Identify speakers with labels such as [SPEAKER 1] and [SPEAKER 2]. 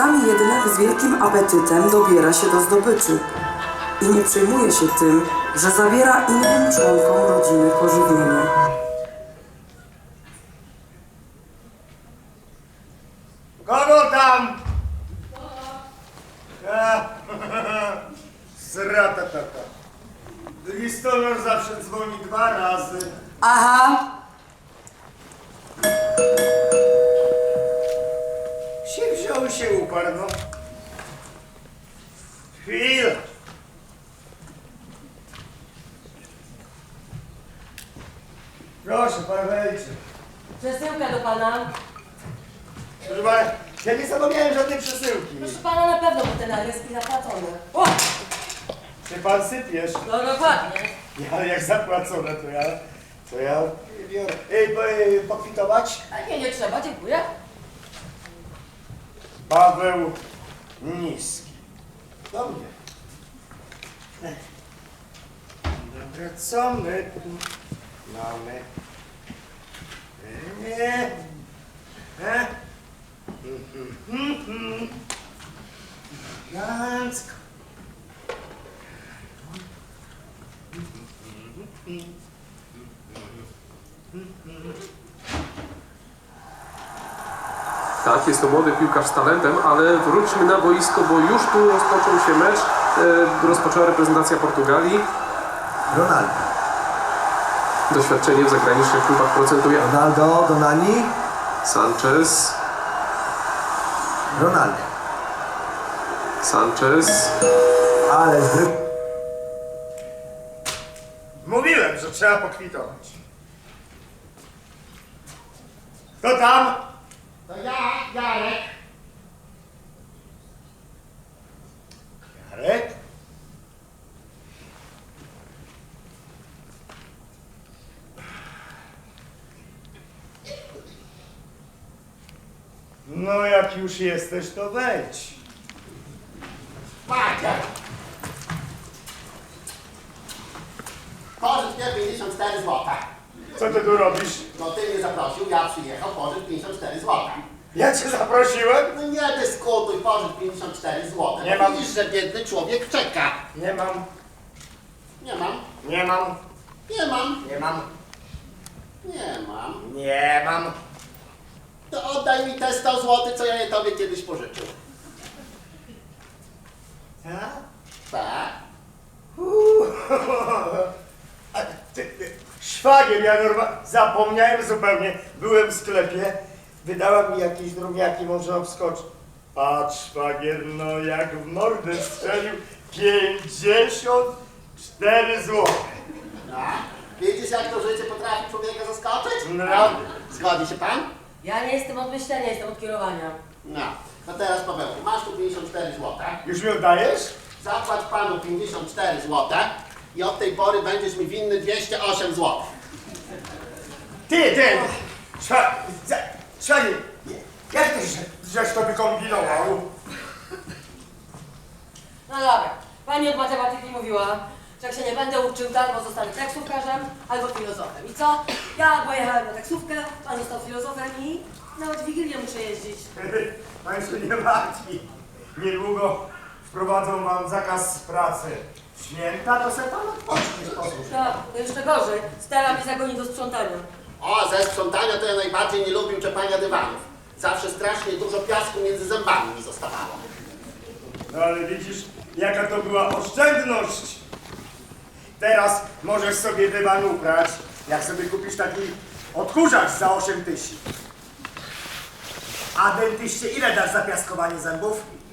[SPEAKER 1] Czasami jednak z wielkim apetytem dobiera się do zdobyczy i nie przejmuje się tym, że zabiera innym członkom rodziny pożywienie.
[SPEAKER 2] Kogo tam? Sratatata. Listonosz zawsze dzwoni 2 razy.
[SPEAKER 1] Aha,
[SPEAKER 2] Się wziął, się uparł, no. Chwila. Proszę, pan wejdźcie.
[SPEAKER 3] Przesyłka do pana.
[SPEAKER 2] Proszę pana, ja nie zapomniałem żadnej przesyłki.
[SPEAKER 3] Proszę pana, na pewno bo ten adres jest zapłacony. O!
[SPEAKER 2] Czy pan sypiesz?
[SPEAKER 3] No dokładnie.
[SPEAKER 2] Ale jak zapłacone, to ja biorę. Pokwitować?
[SPEAKER 3] A nie trzeba, dziękuję.
[SPEAKER 2] Paweł Niski. Do mnie. Dobra, co my tu mamy? Nie. Elegancko.
[SPEAKER 4] Tak, jest to młody piłkarz z talentem, ale wróćmy na boisko, bo już tu rozpoczął się mecz. Rozpoczęła reprezentacja Portugalii.
[SPEAKER 5] Ronaldo.
[SPEAKER 4] Doświadczenie w zagranicznych klubach procentuje.
[SPEAKER 5] Ronaldo, Donani.
[SPEAKER 4] Sanchez.
[SPEAKER 5] Ronaldo.
[SPEAKER 4] Sanchez.
[SPEAKER 5] Ale zbyt.
[SPEAKER 2] Mówiłem, że trzeba pokwitować. Kto tam?
[SPEAKER 6] To ja, Jarek.
[SPEAKER 2] Jarek? No jak już jesteś, to wejdź.
[SPEAKER 6] Macie. Pożycz mnie 54 zł.
[SPEAKER 2] Co ty tu robisz?
[SPEAKER 6] No ty mnie zaprosił, ja przyjechał, pożycz 54 zł.
[SPEAKER 2] Ja cię zaprosiłem?
[SPEAKER 6] No nie dyskutuj, pożycz 54 zł.
[SPEAKER 2] Nie mam.
[SPEAKER 6] Widzisz, że biedny człowiek czeka.
[SPEAKER 2] Nie mam.
[SPEAKER 6] Nie mam,
[SPEAKER 2] Nie mam.
[SPEAKER 6] nie mam,
[SPEAKER 2] Nie mam.
[SPEAKER 6] nie mam.
[SPEAKER 2] Nie mam.
[SPEAKER 6] To oddaj mi te 100 zł, co ja je tobie kiedyś pożyczył.
[SPEAKER 2] Tak?
[SPEAKER 6] Tak?
[SPEAKER 2] A szwagier, ja zapomniałem zupełnie. Byłem w sklepie, wydała mi jakieś drugiaki, może obskoczy. Patrz, szwagier, no jak w mordę strzelił 54 zł.
[SPEAKER 6] No. Widzisz, jak to życie potrafi człowieka zaskoczyć?
[SPEAKER 2] No.
[SPEAKER 6] Zgodzi się pan?
[SPEAKER 3] Ja nie jestem od myślenia, jestem od kierowania.
[SPEAKER 6] No. No teraz Pawełku, masz tu 54 zł.
[SPEAKER 2] Już mi oddajesz?
[SPEAKER 6] Zapłać panu 54 zł i od tej pory będziesz mi winny 208 zł.
[SPEAKER 2] Ty! Szwagier, jak ty żeś to wykombinował?
[SPEAKER 3] No dobra, pani od matematyki mówiła, że jak się nie będę uczył, to albo zostanę taksówkarzem, albo filozofem. I co? Ja pojechałem na taksówkę, pan został filozofem i nawet w Wigilię muszę jeździć.
[SPEAKER 2] Pan się nie martwi. Niedługo wprowadzą wam zakaz pracy. Święta to se pan odpoczniesz, posłuchaj.
[SPEAKER 3] Tak, to jeszcze gorzej. Stara mnie zagoni do sprzątania.
[SPEAKER 6] O, ze sprzątania to ja najbardziej nie lubię czepania dywanów. Zawsze strasznie dużo piasku między zębami mi zostawało.
[SPEAKER 2] No ale widzisz, jaka to była oszczędność. Teraz możesz sobie dywan uprać, jak sobie kupisz taki odkurzacz za 8 000. A dentyście ile dasz za piaskowanie zębów?